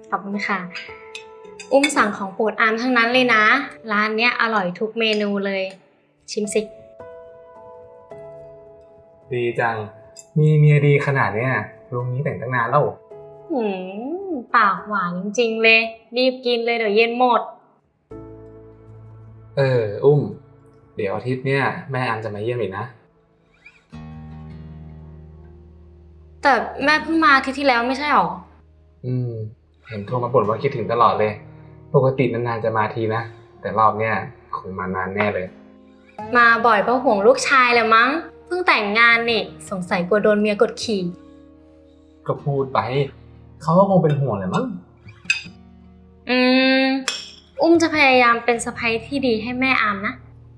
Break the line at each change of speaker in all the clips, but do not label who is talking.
ขอบคุณค่ะ อุ้มสั่งของโปรดอามทั้งนั้นเลยนะ ร้านเนี้ยอร่อยทุกเมนูเลย ชิมสิ
ดีจัง มีเมียดีขนาดเนี้ยลุงนี้แต่งตั้งนานแล้ว
หืปากหวานจริงๆเลย รีบกินเลยเดี๋ยวเย็นหมด
อุ้ม เดี๋ยวอาทิตย์เนี้ยแม่อันจะมาเยี่ยมอีกนะ
แต่แม่เพิ่งมาอาทิตย์ที่แล้วไม่ใช่หรอ
เห็นโทรมาบ่นว่าคิดถึงตลอดเลย ปกตินานๆจะมาทีนะ แต่รอบเนี้ยคงมานานแน่เลย
มาบ่อยเพราะห่วงลูกชายแหละมั้ง เพิ่งแต่งงานนี่ สงสัยกลัวโดนเมียกดขี่
ก็พูดไป เขาก็คงเป็นห่วงแหละมั้ง
อุ้มจะพยายามเป็นสะใภ้ที่ดีให้แม่อามนะ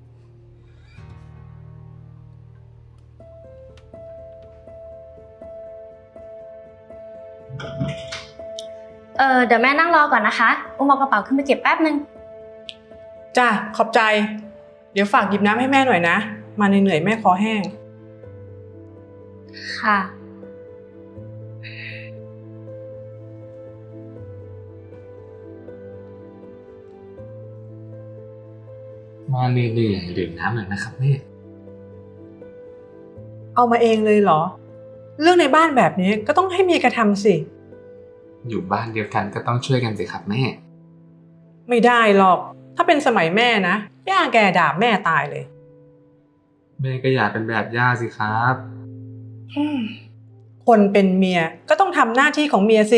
เดี๋ยวแม่นั่งรอก่อนนะคะ อุ้มเอากระเป๋าขึ้นไปเก็บแป๊บนึง
จ้ะขอบใจ เดี๋ยวฝากหยิบน้ำให้แม่หน่อยนะ มาเหนื่อยๆแม่คอแห้ง
ค่ะ
มาเหนื่อยๆดื่มน้ำหน่อยนะครับแม่
เอามาเองเลยเหรอ เรื่องในบ้านแบบนี้ก็ต้องให้เมียกระทำสิ
อยู่บ้านเดียวกันก็ต้องช่วยกันสิครับแม่
ไม่ได้หรอก ถ้าเป็นสมัยแม่นะย่าแกด่าแม่ตายเลย
แม่ก็อยากเป็นแบบย่าสิครับ
คนเป็นเมียก็ต้องทำหน้าที่ของเมียสิ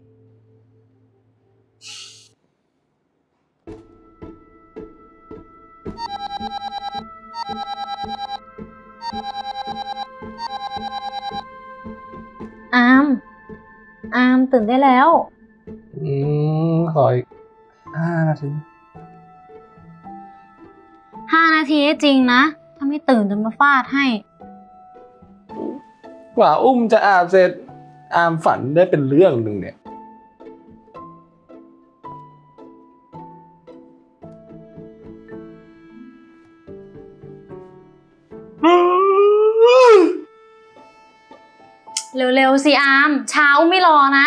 อามตื่นได้แล้ว
ขออีก5 นาที
5 นาทีจริงนะ ถ้าไม่ตื่นจะมาฟาดให้
กว่าอุ้มจะอาบเสร็จ อามฝันได้เป็นเรื่องหนึ่งเนี่ย
เร็วๆสิอามเช้าไม่รอนะ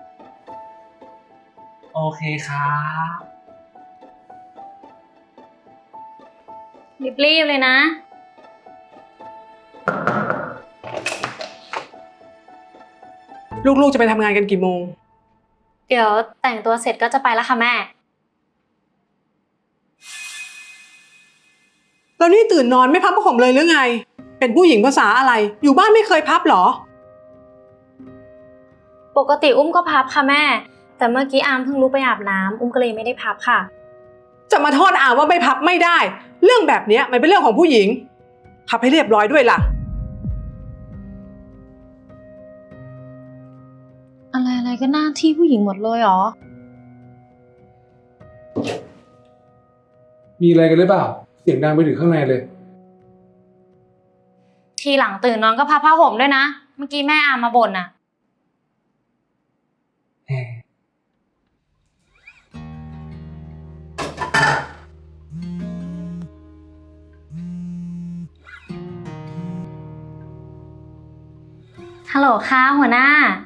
โอเคครับ
รีบๆเลยนะ
ลูกๆจะไปทำงานกันกี่โมง
เดี๋ยวแต่งตัวเสร็จก็จะไปแล้วค่ะแม่
แล้วนี่ตื่นนอนไม่พับผ้าห่มเลยหรือไง เป็นผู้หญิงภาษาอะไร อยู่บ้านไม่เคยพับหรอ
ปกติอุ้มก็พับค่ะแม่ แต่เมื่อกี้อามเพิ่งลุกไปอาบน้ำอุ้มก็เลยไม่ได้พับค่ะ
จะมาโทษอาว่าไม่พับไม่ได้ เรื่องแบบนี้มันเป็นเรื่องของผู้หญิง พับให้เรียบร้อยด้วยล่ะ
อะไรก็หน้าที่ผู้หญิงหมดเลยเหรอ
มีอะไรกันหรือเปล่า เสียงดังไปถึงข้างในเลย
ทีหลังตื่นนอนก็พับผ้าห่มด้วยนะ เมื่อกี้แม่อามมาบ่นน่ะ ฮัลโหลค่ะหัวหน้า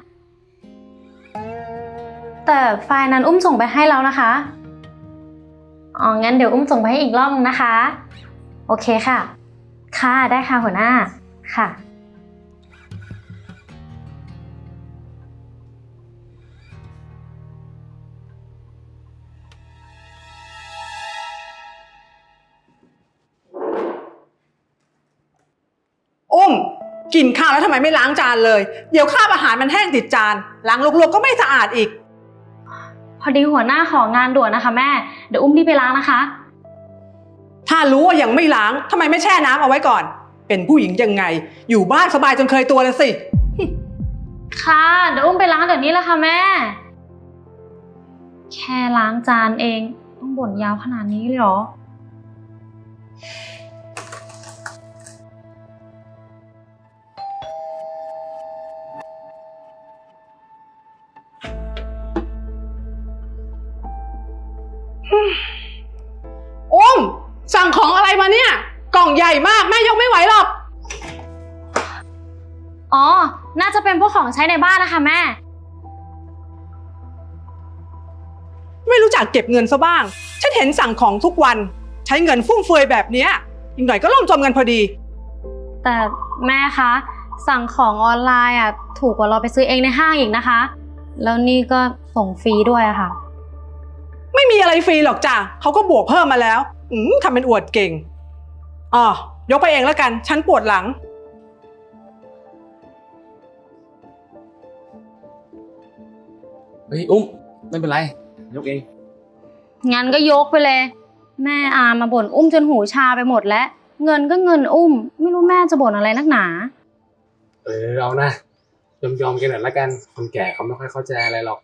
แต่ไฟล์นั้นอุ้มส่งไปให้แล้วนะคะ งั้นเดี๋ยวอุ้มส่งไปให้อีกรอบนึงนะคะ โอเคค่ะ ค่ะได้ค่ะหัวหน้า ค่ะ
อุ้มกินข้าวแล้วทำไมไม่ล้างจานเลย เดี๋ยวคราบอาหารมันแห้งติดจาน ล้างลวกๆก็ไม่สะอาดอีก
พอดีหัวหน้าของานด่วนนะคะแม่ เดี๋ยวอุ้มรีบไปล้างนะคะ
ถ้ารู้ว่ายังไม่ล้างทำไมไม่แช่น้ำเอาไว้ก่อน เป็นผู้หญิงยังไง อยู่บ้านสบายจนเคยตัวแล้วสิ
ค่ะ เดี๋ยวอุ้มไปล้างเดี๋ยวนี้แหละค่ะแม่ แค่ล้างจานเองต้องบ่นยาวขนาดนี้เลยเหรอ
อุ้มสั่งของอะไรมาเนี่ย กล่องใหญ่มากแม่ยกไม่ไหวหรอก
อ๋อ น่าจะเป็นพวกของใช้ในบ้านนะคะแม่
จักเก็บเงินซะบ้างฉันเห็นสั่งของทุกวันใช้เงินฟุ่มเฟือยแบบเนี้ยอีกหน่อยก็ล่มจมกันพอดี
แต่แม่คะสั่งของออนไลน์อ่ะถูกกว่าเราไปซื้อเองในห้างอีกนะคะ แล้วนี่ก็ส่งฟรีด้วยอะค่ะ
ไม่มีอะไรฟรีหรอกจ้ะเขาก็บวกเพิ่มมาแล้วทำเป็นอวดเก่งยกไปเองแล้วกันฉันปวดหลัง
เฮ้ยอุ้มไม่เป็นไรยกเอง
งั้นก็ยกไปเลย แม่อามาบ่นอุ้มจนหูชาไปหมดแล้ว เงินก็เงินอุ้ม ไม่รู้แม่จะบ่นอะไรนักหนา
เอานะยอมกันหน่อยละกันคนแก่เขาไม่ค่อยเข้าใจอะไรหรอก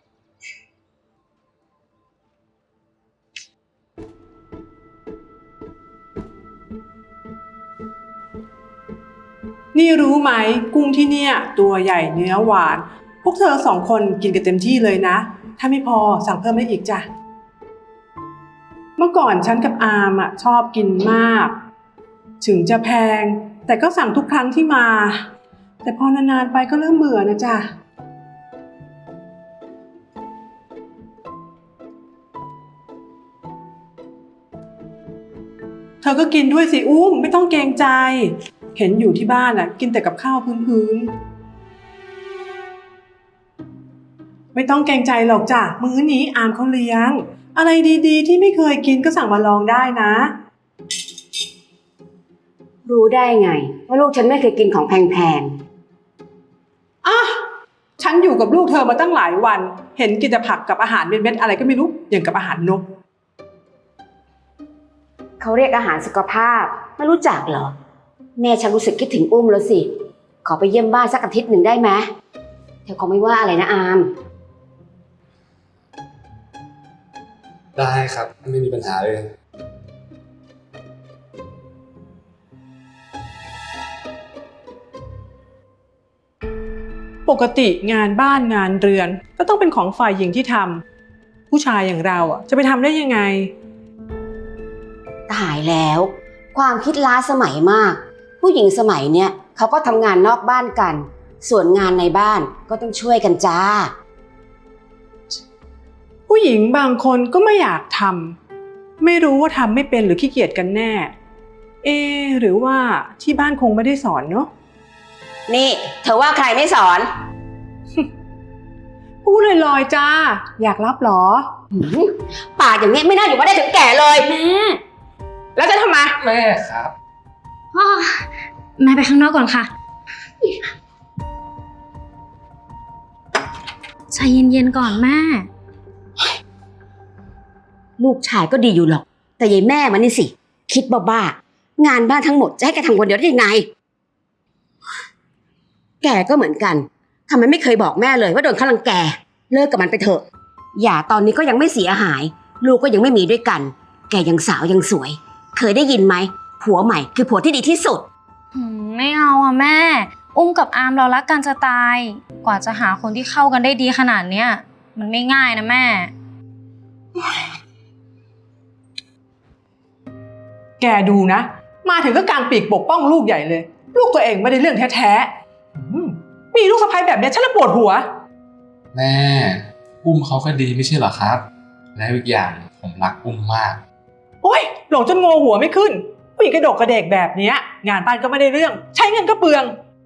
นี่รู้ไหมกุ้งที่เนี่ยตัวใหญ่เนื้อหวานพวกเธอ2 คนกินกันเต็มที่เลยนะถ้าไม่พอสั่งเพิ่มได้อีกจ้ะเมื่อก่อนฉันกับอามชอบกินมากถึงจะแพงแต่ก็สั่งทุกครั้งที่มา แต่พอนานๆไปก็เริ่มเบื่อนะจ๊ะเธอก็กินด้วยสิอุ้มไม่ต้องเกรงใจเห็นอยู่ที่บ้านกินแต่กับข้าวพื้นๆไม่ต้องเกรงใจหรอกจ้ะมื้อนี้อามเขาเลี้ยงอะไรดีๆที่ไม่เคยกินก็สั่งมาลองได้นะ
รู้ได้ไงว่าลูกฉันไม่เคยกินของแพง
ฉันอยู่กับลูกเธอมาตั้งหลายวันเห็นกินแต่ผักกับอาหารเม็ดๆอะไรก็ไม่รู้อย่างกับอาหารนก
ๆเขาเรียกอาหารสุขภาพไม่รู้จักเหรอแม่ฉันรู้สึกคิดถึงอุ้มแล้วสิขอไปเยี่ยมบ้านสักอาทิตย์หนึ่งได้ไหมเธอคงไม่ว่าอะไรนะอาม
ได้ครับไม่มีปัญหาเลย
ปกติงานบ้านงานเรือนก็ต้องเป็นของฝ่ายหญิงที่ทำผู้ชายอย่างเราจะไปทำได้ยังไง
ตายแล้วความคิดล้าสมัยมากผู้หญิงสมัยเนี้ยเขาก็ทำงานนอกบ้านกันส่วนงานในบ้านก็ต้องช่วยกันจ้า
ผู้หญิงบางคนก็ไม่อยากทำไม่รู้ว่าทำไม่เป็นหรือขี้เกียจกันแน่หรือว่าที่บ้านคงไม่ได้สอนเนาะ
นี่เธอว่าใครไม่สอน
พูดลอยๆจ้าอยากรับหรอ
ปากอย่างนี้ไม่น่าอยู่มาได้ถึงแก่เลย
แม่
แล้วจะทำไม
แม่ครับ
อ้อแม่ไปข้างนอกก่อนค่ะ ใจเย็นๆก่อนแม่
ลูกชายก็ดีอยู่หรอกแต่ยายแม่มันนี่สิคิดบ้าๆงานบ้านทั้งหมดจะให้แกทำคนเดียวได้ยังไงแกก็เหมือนกันทำไมไม่เคยบอกแม่เลยว่าโดนเขารังแกเลิกกับมันไปเถอะอย่าตอนนี้ก็ยังไม่เสียหายลูกก็ยังไม่มีด้วยกันแกยังสาวยังสวยเคยได้ยินไหมผัวใหม่คือผัวที่ดีที่สุด
ไม่เอาอ่ะแม่ อุ้มกับอามเรารักกันจะตาย กว่าจะหาคนที่เข้ากันได้ดีขนาดเนี้ยมันไม่ง่ายนะแม่
แกดูนะมาถึงก็กางปีกปกป้องลูกใหญ่เลย ลูกตัวเองไม่ได้เรื่องแท้ๆมีลูกสะใภ้แบบนี้ฉันละปวดหัว
แม่อุ้มเขาก็ดีไม่ใช่เหรอครับ และอีกอย่างผมรักอุ้มมาก
โอ๊ยหลงจนงอหัวไม่ขึ้นผู้หญิงกระดกกระเดกแบบเนี้ยงานบ้านก็ไม่ได้เรื่องใช้เงินก็เปลือง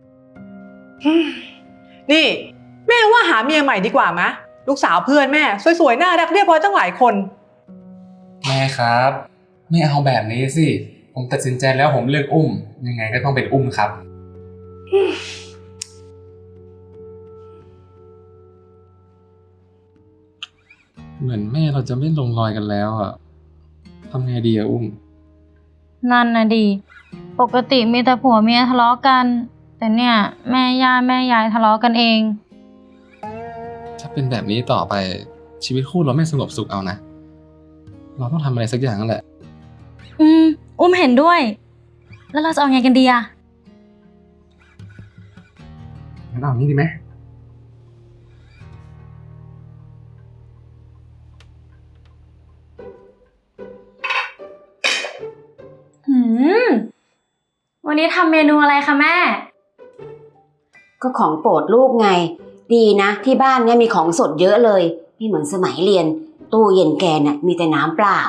นี่แม่ว่าหาเมียใหม่ดีกว่ามะลูกสาวเพื่อนแม่สวยๆน่ารักเรียบร้อยตั้งหลายคน
แม่ครับไม่เอาแบบนี้สิผมตัดสินใจแล้วผมเลือกอุ้มยังไงก็ต้องเป็นอุ้มครับ เหมือนแม่เราจะไม่ลงรอยกันแล้วอ่ะทำไงดีอะอุ้ม
นั่นนะดีปกติมีแต่ผัวเมียทะเลาะกัน แต่เนี่ยแม่ย่าแม่ยายทะเลาะกันเอง
ถ้าเป็นแบบนี้ต่อไปชีวิตคู่เราไม่สงบสุขเอานะ เราต้องทำอะไรสักอย่างนั่นแหละ
อุ้มเห็นด้วย แล้วเราจะเอาไงกันดีอะ
งั้นเอางี้ดีไหม
วันนี้ทำเมนูอะไรคะแม่
ก็ของโปรดลูกไงดีนะที่บ้านเนี่ยมีของสดเยอะเลยไม่เหมือนสมัยเรียนตู้เย็นแกน่ะมีแต่น้ำเปล่า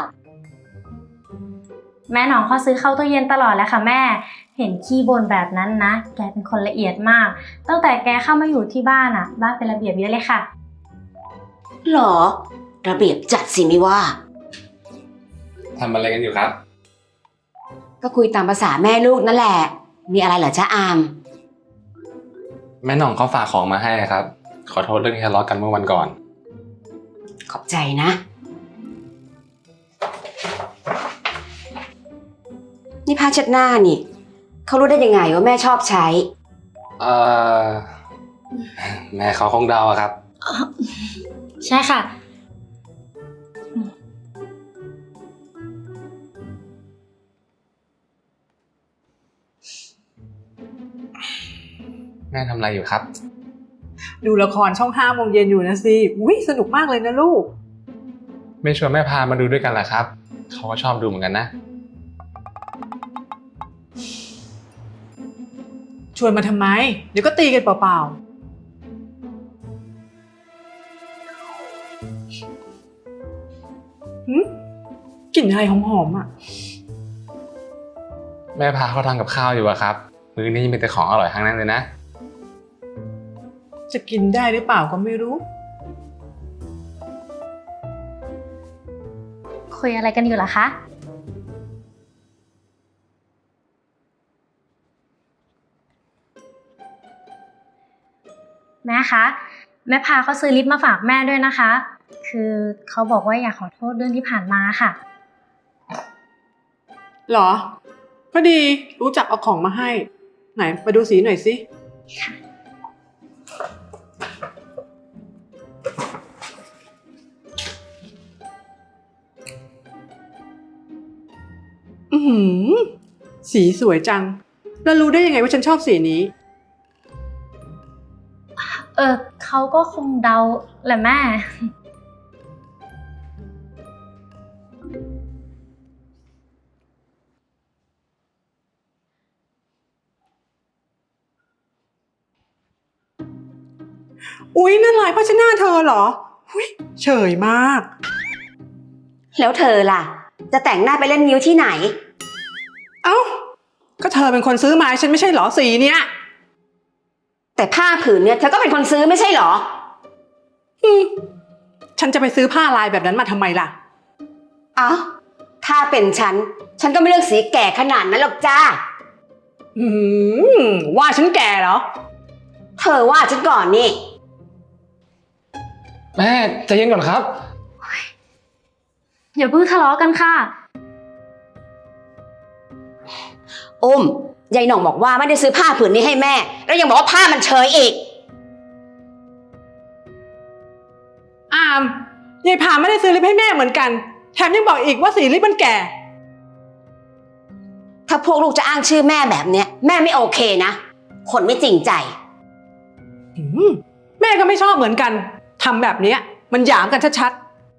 แม่หนองเขาซื้อเข้าตู้เย็นตลอดแล้วค่ะแม่ เห็นขี้บ่นแบบนั้นนะ แกเป็นคนละเอียดมาก ตั้งแต่แกเข้ามาอยู่ที่บ้านอะบ้านเป็นระเบียบเยอะเลยค่ะ
หรอ ระเบียบจัดสิไม่ว่า
ทำอะไรกันอยู่ครับ
ก็คุยตามภาษาแม่ลูกนั่นแหละ มีอะไรเหรอจ๊ะอาม
แม่หน่องเขาฝากของมาให้ครับ ขอโทษเรื่องที่ทะเลาะกันเมื่อวันก่อน
ขอบใจนะ นี่ผ้าเช็ดหน้านี่ เขารู้ได้ยังไงว่าแม่ชอบใช้
เอ่อ แม่เขาคงเดาอะครับ
ใช่ค่ะ
แม่ทำอะไรอยู่ครับ
ดูละครช่อง5 โมงเย็นอยู่นะสิอุ้ยสนุกมากเลยนะลูก
ไม่ชวนแม่พามาดูด้วยกันเหรอครับ เขาก็ชอบดูเหมือนกันนะ
ชวนมาทำไม เดี๋ยวก็ตีกันเปล่าๆกลิ่นอะไรหอมๆอ่ะ
แม่พาเขาทำกับข้าวอยู่อะครับ มื้อนี้มีแต่ของอร่อยทั้งนั้นเลยนะ
จะกินได้หรือเปล่าก็ไม่รู้
คุยอะไรกันอยู่ล่ะคะ แม่คะ แม่พาเขาซื้อลิปมาฝากแม่ด้วยนะคะ คือเขาบอกว่าอยากขอโทษเรื่องที่ผ่านมาค่ะ
หรอ ก็ดีรู้จักเอาของมาให้ ไหนมาดูสีหน่อยสิ อือหือ สีสวยจัง แล้วรู้ได้ยังไงว่าฉันชอบสีนี้
เขาก็คงเดาแหละแม่
อุ๊ยนั่นลายผ้าเช็ดหน้าเธอเหรออุ๊ยเฉยมาก
แล้วเธอล่ะ จะแต่งหน้าไปเล่นนิ้วที่ไหน
เอ้า ก็เธอเป็นคนซื้อมาให้ฉันไม่ใช่เหรอสีเนี้ย
แต่ผ้าผืนเนี่ยเธอก็เป็นคนซื้อไม่ใช่เหรอ
ฉันจะไปซื้อผ้าลายแบบนั้นมาทำไมล่ะ
เอ้า ถ้าเป็นฉันก็ไม่เลือกสีแก่ขนาดนั้นหรอกจ้า
อืว่าฉันแก่เหรอ
เธอว่าฉันก่อนนี่
แม่ใจเย็นก่อนครับ
อย่าเพิ่งทะเลาะกันค่ะ
อุ้มยายหน่องบอกว่าไม่ได้ซื้อผ้าผืนนี้ให้แม่ แล้วยังบอกว่าผ้ามันเชยอีก
อามยายพาไม่ได้ซื้อลิปให้แม่เหมือนกัน แถมยังบอกอีกว่าสีลิปมันแก่
ถ้าพวกลูกจะอ้างชื่อแม่แบบเนี้ยแม่ไม่โอเคนะ คนไม่จริงใจ
แม่ก็ไม่ชอบเหมือนกัน ทำแบบเนี้ยมันหยามกันชัด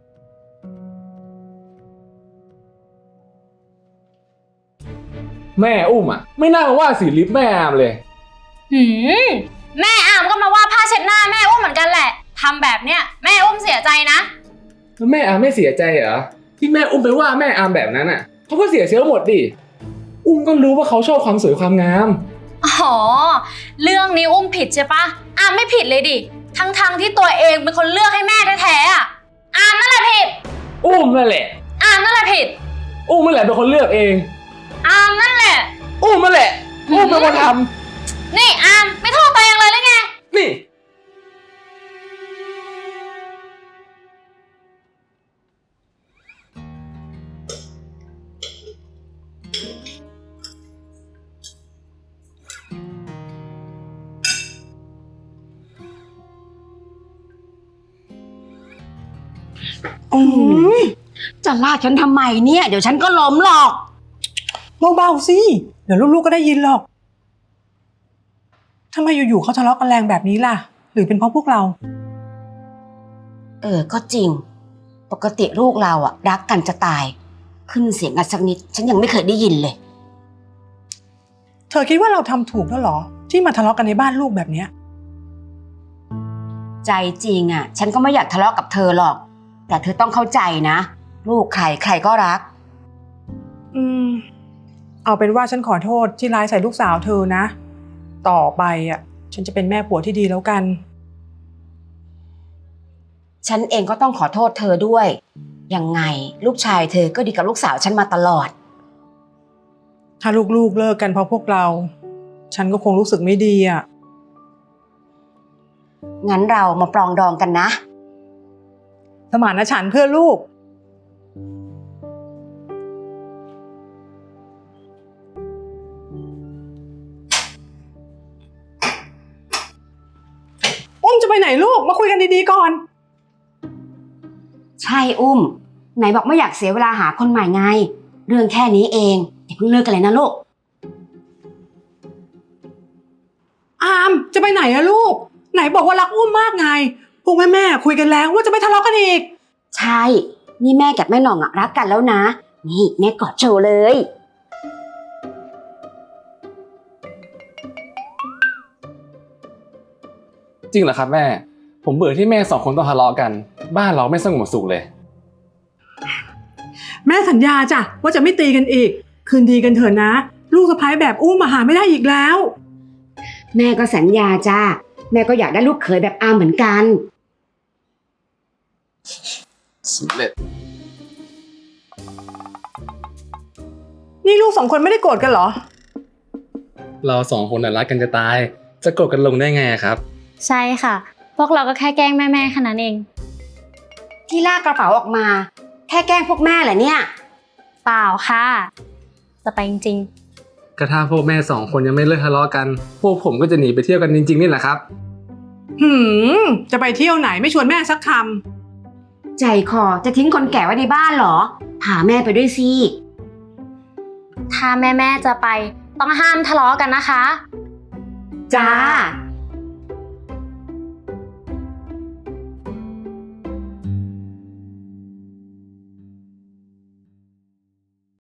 แม่อุ้มอะไม่น่ามาว่าสีลิปแม่อามเลย
แม่อามก็มาว่าผ้าเช็ดหน้าแม่อุ้มเหมือนกันแหละทำแบบเนี้ยแม่อุ้มเสียใจนะ
แล้วแม่อามไม่เสียใจเหรอที่แม่อุ้มไปว่าแม่อามแบบนั้นอะเขาก็เสียเซลล์หมดดิอุ้มก็รู้ว่าเขาชอบความสวยความงาม
อ๋อ เรื่องนี้อุ้มผิดใช่ปะอามไม่ผิดเลยดิ ทั้งที่ตัวเองเป็นคนเลือกให้แม่แท้ๆอ่ะอามนั่นแหละผิด
อุ้มนั่นแหละ
อามนั่นแหละผิด
อุ้มนั่นแหละเป็นคนเลือกเอง
อามนั่นแหละ
อุ้มนั่นแหละอุ้มเป็นคนท
นี่อามไม่โทษตัวเองเลยหรือไง
ำนี่
ๆอืม
จะลากฉันทำไมเนี่ย เดี๋ยวฉันก็ล้มหรอก
เบาๆสิ เดี๋ยวลูกๆก็ได้ยินหรอกทำไมอยู่ๆเขาทะเลาะกันแรงแบบนี้ล่ะ หรือเป็นเพราะพวกเรา
ก็จริง ปกติลูกเราอะรักกันจะตาย ขึ้นเสียงกันสักนิด ฉันยังไม่เคยได้ยินเลย
เธอคิดว่าเราทำถูกแล้วเหรอ ที่มาทะเลาะกันในบ้านลูกแบบเนี้ย
ใจจริงอะฉันก็ไม่อยากทะเลาะกับเธอหรอกแต่เธอต้องเข้าใจนะ ลูกใครใครก็รัก
เอาเป็นว่าฉันขอโทษที่ร้ายใส่ลูกสาวเธอนะ ต่อไปฉันจะเป็นแม่ผัวที่ดีแล้วกัน
ฉันเองก็ต้องขอโทษเธอด้วย ยังไงลูกชายเธอก็ดีกับลูกสาวฉันมาตลอด
ถ้าลูกๆเลิกกันเพราะพวกเรา ฉันก็คงรู้สึกไม่ดี
งั้นเรามาปรองดองกันนะ
สมานฉันท์เพื่อลูก อุ้มจะไปไหนลูก มาคุยกันดีๆก่อน
ใช่อุ้ม ไหนบอกไม่อยากเสียเวลาหาคนใหม่ไง เรื่องแค่นี้เองอย่าเพิ่งเลิกกันเลยนะลูก
อามจะไปไหนอะลูก ไหนบอกว่ารักอุ้มมากไง พวกแม่คุยกันแล้วว่าจะไม่ทะเลาะกันอีก
ใช่ นี่แม่กับแม่หน่องรักกันแล้วนะ นี่แม่กอดโชว์เลย
จริงเหรอครับแม่ ผมเบื่อที่แม่สองคนต้องทะเลาะกัน บ้านเราไม่สงบสุขเลย
แม่สัญญาจ้ะว่าจะไม่ตีกันอีก คืนดีกันเถอะนะ ลูกสะใภ้แบบอุ้มมาหาไม่ได้อีกแล้ว
แม่ก็สัญญาจ้าแม่ก็อยากได้ลูกเขยแบบอามเหมือนกัน
สำเร็จ
นี่ลูกสองคนไม่ได้โกรธกันเหรอ
เราสองคนน่ะรักกันจะตาย จะโกรธกันลงได้ไงครับ
ใช่ค่ะ พวกเราก็แค่แกล้งแม่ๆแค่นั้นเอง
ที่ลากกระเป๋าออกมา แค่แกล้งพวกแม่แหละเนี่ย
เปล่าค่ะ จะไปจริง
กระทั่งพวกแม่สองคนยังไม่เลิกทะเลาะกัน พวกผมก็จะหนีไปเที่ยวกันจริงๆนี่แหละครับ
จะไปเที่ยวไหนไม่ชวนแม่สักค
ใจคอจะทิ้งคนแก่ไว้ในบ้านเหรอ พาแม่ไปด้วยสิ
ๆ ถ้าแม่ๆจะไปต้องห้ามทะเลาะกันนะคะ
จ้า